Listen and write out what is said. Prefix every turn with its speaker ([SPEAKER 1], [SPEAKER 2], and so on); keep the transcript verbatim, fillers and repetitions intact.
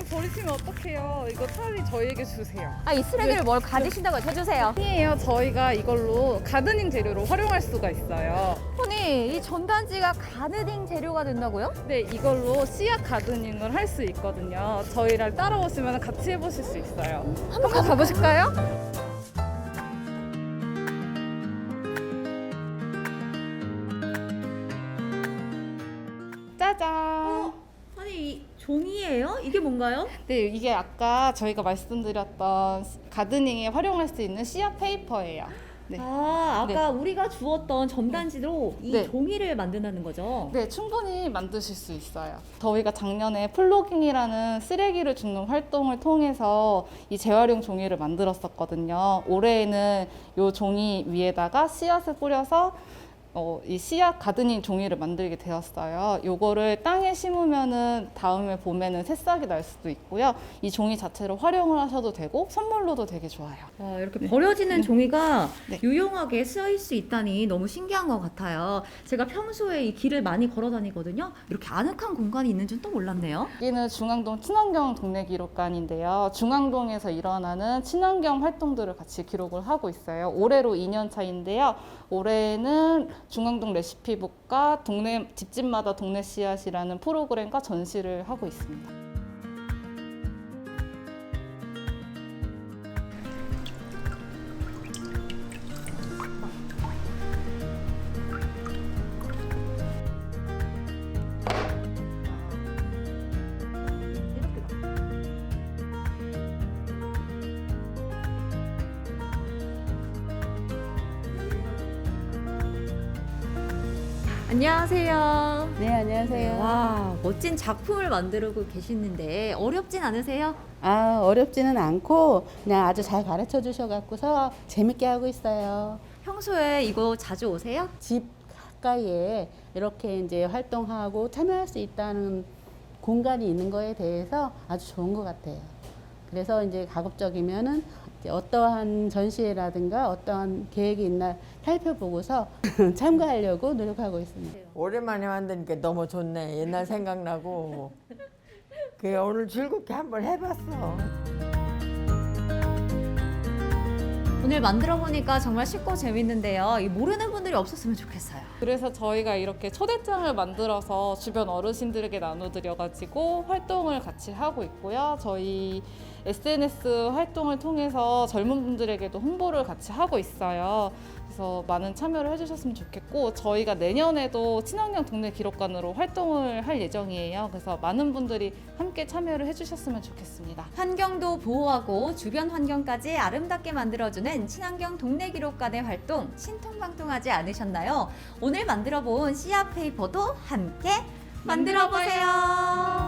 [SPEAKER 1] 쓰레기를 버리시면 어떡해요. 이거 차라리 저희에게 주세요.
[SPEAKER 2] 아, 이 쓰레기를 뭘 가지신다고 해주세요.
[SPEAKER 1] 아니에요. 저희가 이걸로 가드닝 재료로 활용할 수가 있어요.
[SPEAKER 2] 아니, 이 전단지가 가드닝 재료가 된다고요?
[SPEAKER 1] 네, 이걸로 씨앗 가드닝을 할 수 있거든요. 저희를 따라오시면 같이 해보실 수 있어요.
[SPEAKER 2] 한번 가보실까요?
[SPEAKER 1] 짜잔!
[SPEAKER 2] 아니, 이 종이예요? 이게 뭔가요?
[SPEAKER 1] 네, 이게 아까 저희가 말씀드렸던 가드닝에 활용할 수 있는 씨앗 페이퍼예요. 네.
[SPEAKER 2] 아, 아까 우리가 주었던 점단지로 이
[SPEAKER 1] 네.
[SPEAKER 2] 종이를 만든다는 거죠?
[SPEAKER 1] 네, 충분히 만드실 수 있어요. 저희가 작년에 플로깅이라는 쓰레기를 줍는 활동을 통해서 이 재활용 종이를 만들었었거든요. 올해에는 이 종이 위에다가 씨앗을 뿌려서 어, 이 씨앗 가드닝 종이를 만들게 되었어요. 요거를 땅에 심으면은 다음에 봄에는 새싹이 날 수도 있고요. 이 종이 자체로 활용을 하셔도 되고 선물로도 되게 좋아요.
[SPEAKER 2] 와, 이렇게 버려지는 종이가
[SPEAKER 1] 네.
[SPEAKER 2] 유용하게 쓰일 수 있다니 너무 신기한 것 같아요. 제가 평소에 이 길을 많이 걸어 다니거든요. 이렇게 아늑한 공간이 있는 줄 또 몰랐네요.
[SPEAKER 1] 여기는 중앙동 친환경 동네 기록관인데요. 중앙동에서 일어나는 친환경 활동들을 같이 기록을 하고 있어요. 올해로 이 년 차인데요. 올해는 중앙동 레시피북과 동네 집집마다 동네 씨앗이라는 프로그램과 전시를 하고 있습니다.
[SPEAKER 2] 안녕하세요.
[SPEAKER 3] 네, 안녕하세요.
[SPEAKER 2] 와, 멋진 작품을 만들고 계시는데 어렵진 않으세요?
[SPEAKER 3] 아, 어렵지는 않고 그냥 아주 잘 가르쳐 주셔갖고서 재밌게 하고 있어요.
[SPEAKER 2] 평소에 이거 자주 오세요?
[SPEAKER 3] 집 가까이에 이렇게 이제 활동하고 참여할 수 있다는 공간이 있는 거에 대해서 아주 좋은 것 같아요. 그래서 이제 가급적이면은 이제 어떠한 전시회라든가 어떠한 계획이 있나 살펴보고서 참가하려고 노력하고 있습니다.
[SPEAKER 4] 오랜만에 만드니까 너무 좋네. 옛날 생각나고. 그 오늘 즐겁게 한번 해봤어.
[SPEAKER 2] 오늘 만들어 보니까 정말 쉽고 재밌는데요. 이 모르는 분들이 없었으면 좋겠어요.
[SPEAKER 1] 그래서 저희가 이렇게 초대장을 만들어서 주변 어르신들에게 나눠드려가지고 활동을 같이 하고 있고요. 저희 에스엔에스 활동을 통해서 젊은 분들에게도 홍보를 같이 하고 있어요. 그래서 많은 참여를 해주셨으면 좋겠고 저희가 내년에도 친환경 동네 기록관으로 활동을 할 예정이에요. 그래서 많은 분들이 함께 참여를 해주셨으면 좋겠습니다.
[SPEAKER 2] 환경도 보호하고 주변 환경까지 아름답게 만들어주는 친환경 동네 기록관의 활동 신통방통하지 않으셨나요? 오늘 만들어 본 씨앗 페이퍼도 함께 만들어 보세요.